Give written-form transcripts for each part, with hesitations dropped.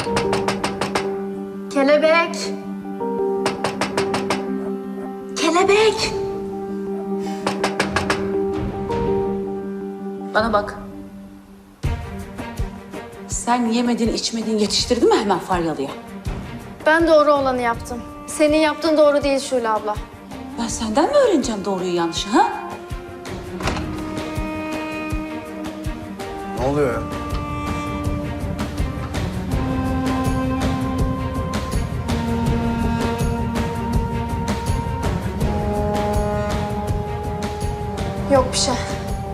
Kelebek. Kelebek. Bana bak. Sen yemedin, içmedin, yetiştirdin mi hemen Faryalı'ya? Ben doğru olanı yaptım. Senin yaptığın doğru değil Şule abla. Ben senden mi öğreneceğim doğruyu yanlışı ha? Ne oluyor ya? Yok bir şey.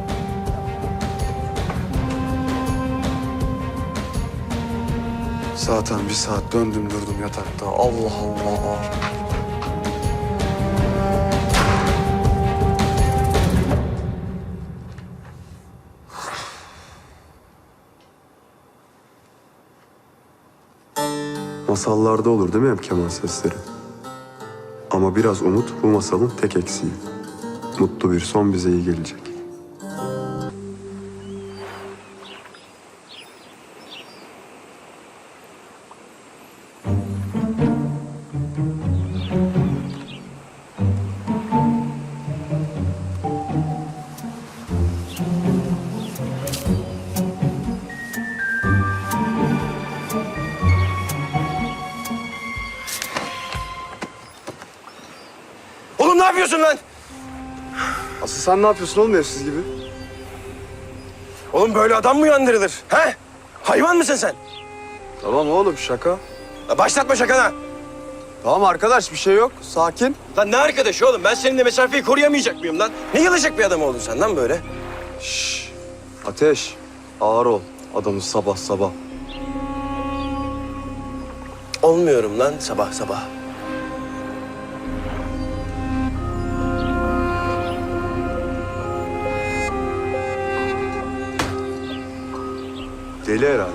Zaten bir saat döndüm durdum yatakta. Allah Allah. Masallarda olur değil mi hep keman sesleri? Ama biraz umut bu masalın tek eksiği. Mutlu bir son bize iyi gelecek. Oğlum ne yapıyorsun lan? Asıl sen ne yapıyorsun oğlum evsiz gibi? Oğlum böyle adam mı uyandırılır? He? Hayvan mısın sen? Tamam oğlum şaka. Ya başlatma şakana. Tamam arkadaş bir şey yok. Sakin. Lan ne arkadaşı oğlum? Ben seninle mesafeyi koruyamayacak mıyım lan? Ne yılacak bir adam oldun sen lan böyle? Şşş. Ateş. Ağır ol. Adamı sabah sabah. Olmuyorum lan sabah sabah. Deli herhalde.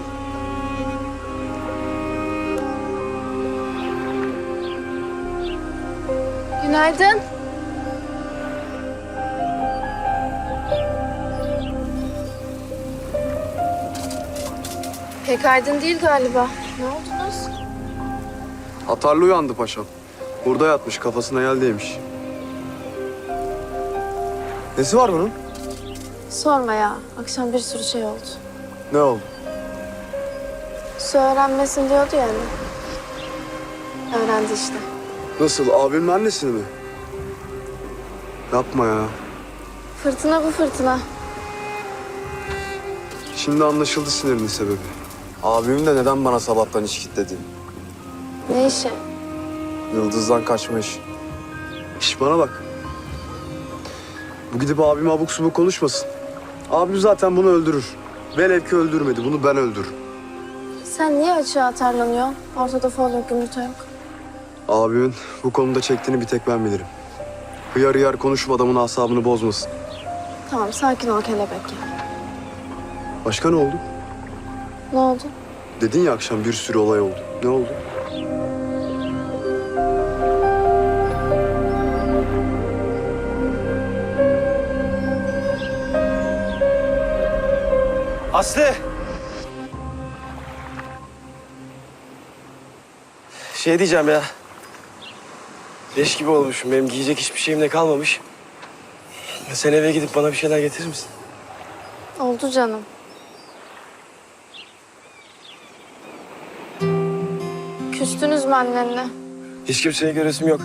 Günaydın. Pek aydın değil galiba. Ne oldunuz? Atarlı uyandı paşam. Burada yatmış kafasına yel değmiş. Nesi var bunun? Sorma ya. Akşam bir sürü şey oldu. Ne oldu? Su öğrenmesin diyordu yani. Öğrendi işte. Nasıl abimin annesini mi? Yapma ya. Fırtına bu fırtına. Şimdi anlaşıldı sinirinin sebebi. Abimin de neden bana sabahtan iş kitledi. Ne işi? Yıldız'dan kaçma iş. İş bana bak. Bu gidip abime abuk subuk konuşmasın. Abim zaten bunu öldürür. Velev ki öldürmedi. Bunu ben öldürürüm. Sen niye açığa atarlanıyorsun? Ortada fol yok, yumurta yok. Abimin bu konuda çektiğini bir tek ben bilirim. Hıyar hıyar konuşup adamın asabını bozmasın. Tamam, sakin ol kelebek ya. Başka ne oldu? Ne oldu? Dedin ya akşam bir sürü olay oldu. Ne oldu? Aslı! Şey diyeceğim ya. Leş gibi olmuşum. Benim giyecek hiçbir şeyim de kalmamış. Sen eve gidip bana bir şeyler getirir misin? Oldu canım. Küstünüz mü annenle? Hiç kimseye göresim yok.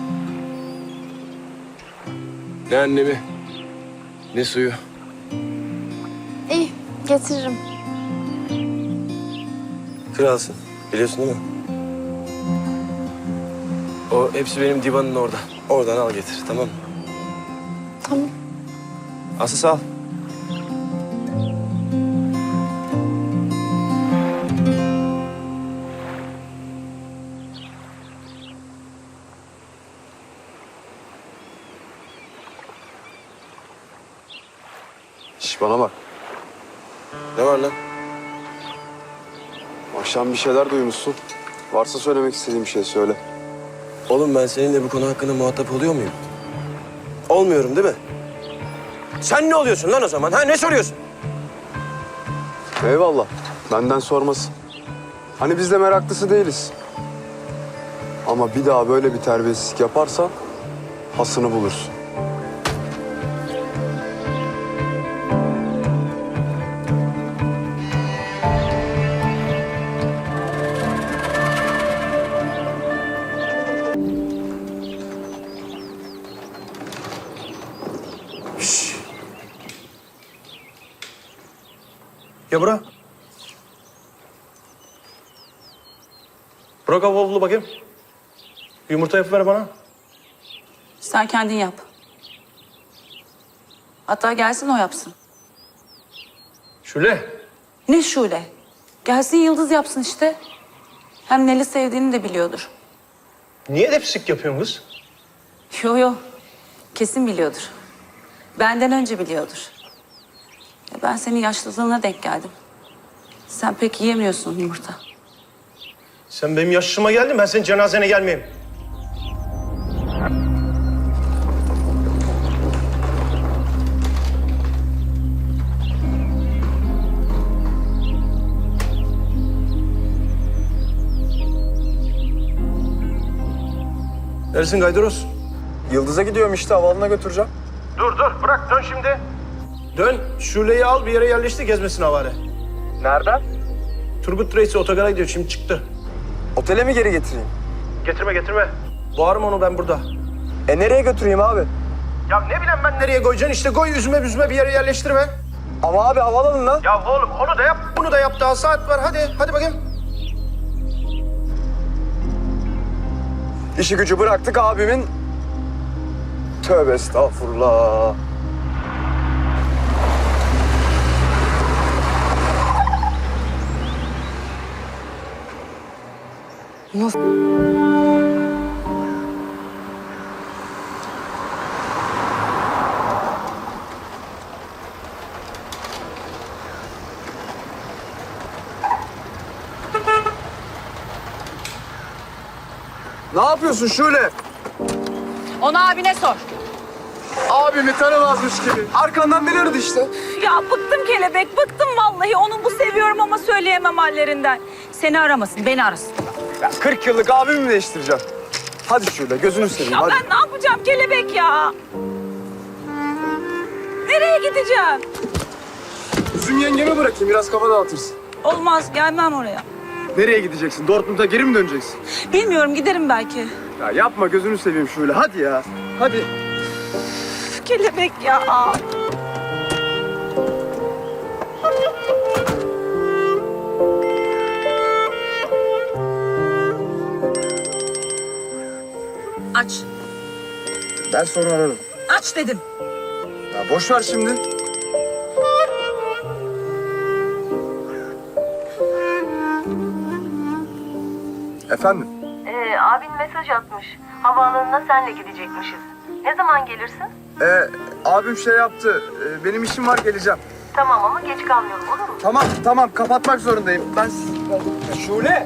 Ne annemi, ne suyu. İyi, getiririm. Kralsın. Biliyorsun değil mi? O hepsi benim divanın orada. Oradan al getir, tamam mı? Tamam. Aslı sağ ol. Şş bana bak. Ne var lan? Akşam bir şeyler duymuşsun. Varsa söylemek istediğim bir şey söyle. Oğlum ben seninle bu konu hakkında muhatap oluyor muyum? Olmuyorum değil mi? Sen ne oluyorsun lan o zaman? Ha ne soruyorsun? Eyvallah. Benden sorması. Hani biz de meraklısı değiliz. Ama bir daha böyle bir terbiyesizlik yaparsan hasını bulursun. Ya bırak. Bırak avlu bakayım. Yumurta yapıver bana. Sen kendin yap. Hatta gelsin o yapsın. Şule. Ne Şule? Gelsin Yıldız yapsın işte. Hem Neli sevdiğini de biliyordur. Niye depsik yapıyorsun kız? Yo yo. Kesin biliyordur. Benden önce biliyordur. Ben senin yaşlılığına denk geldim. Sen pek yiyemiyorsun yumurta. Sen benim yaşıma geldin, ben senin cenazene gelmeyeyim. Neresin Gaydoros? Yıldız'a gidiyorum işte, havaalanına götüreceğim. Dur bırak dön şimdi. Dön Şule'yi al bir yere yerleştir gezmesin havare. Nereden? Turgut Reis'e otogara gidiyor şimdi çıktı. Otele mi geri getireyim? Getirme. Boğarım onu ben burada. Nereye götüreyim abi? Ya ne bileyim ben nereye koyacaksın işte koy üzme büzme bir yere yerleştirme. Ama abi havaalanına. Ya oğlum onu da yap bunu da yap daha saat var hadi bakayım. İşi gücü bıraktık abimin. Tövbe estağfurullah. Ne yapıyorsun Şule? Onu abine sor. Abimi tanımazmış gibi. Arkandan bilirdi işte. Ya bıktım kelebek, bıktım vallahi. Onu bu seviyorum ama söyleyemem hallerinden. Seni aramasın, beni arasın. Ya 40 yıllık abimi mi değiştireceğim? Hadi Şule, gözünü seveyim Ya hadi. ben ne yapacağım kelebek ya? Nereye gideceğim? Üzüm yengeme bırakayım, biraz kafa dağıtırsın. Olmaz, gelmem oraya. Nereye gideceksin? Dortmund'a geri mi döneceksin? Bilmiyorum, giderim belki. Ya yapma, gözünü seveyim Şule. Hadi ya, hadi. Üf, kelebek ya. Aç, Ben sonra ararım. aç dedim. Ya boş ver şimdi. Efendim? Abin mesaj atmış. Havaalanına senle gidecekmişiz. Ne zaman gelirsin? Abim şey yaptı. Benim işim var, geleceğim. Tamam ama geç kalmayalım olur mu? Tamam, kapatmak zorundayım. Şule!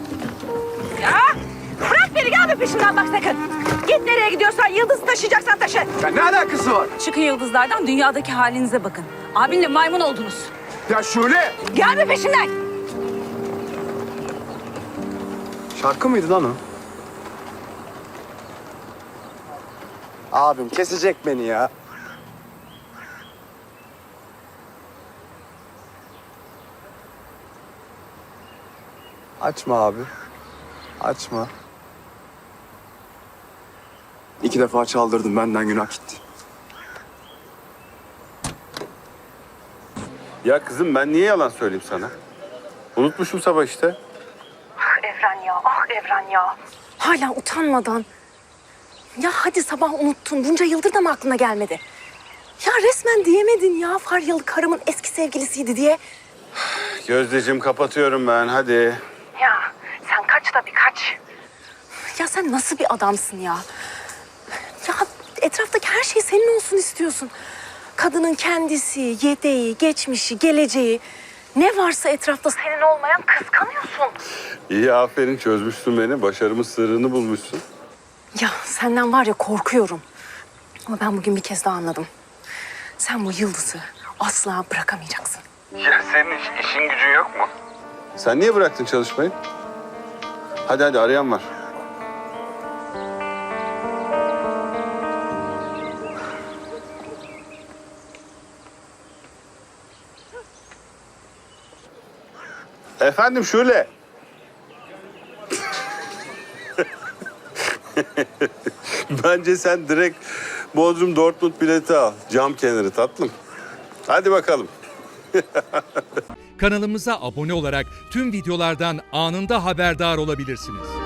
Bırak beni, gelme peşimden bak sakın. Git nereye gidiyorsan, Yıldız'ı taşıyacaksan taşı. Ya ne alakası var? Çıkın yıldızlardan, dünyadaki halinize bakın. Abinle maymun oldunuz. Ya Şule! Gelme peşimden. Şarkı mıydı lan o? Abim kesecek beni ya. Açma abi. Açma. 2 defa çaldırdım, benden günah gitti. Ya kızım ben niye yalan söyleyeyim sana? Unutmuşum sabah işte. Evren ya, ah Evren ya. Hala utanmadan. Ya hadi sabah unuttun. Bunca yıldır da mı aklına gelmedi? Ya resmen diyemedin ya Faryalı karımın eski sevgilisiydi diye. Gözdeciğim kapatıyorum ben hadi. Ya sen kaç da bir kaç. Ya sen nasıl bir adamsın ya? Ya etraftaki her şey senin olsun istiyorsun. Kadının kendisi, yedeği, geçmişi, geleceği. Ne varsa etrafta senin olmayan kıskanıyorsun. İyi aferin çözmüşsün beni. Başarımın sırrını bulmuşsun. Ya senden var ya korkuyorum. Ama ben bugün bir kez daha anladım. Sen bu Yıldız'ı asla bırakamayacaksın. Ya senin işin gücün yok mu? Sen niye bıraktın çalışmayı? Hadi arayan var. Efendim Şule. Bence sen direkt Bodrum Dortmund bileti al. Cam kenarı tatlım. Hadi bakalım. Kanalımıza abone olarak tüm videolardan anında haberdar olabilirsiniz.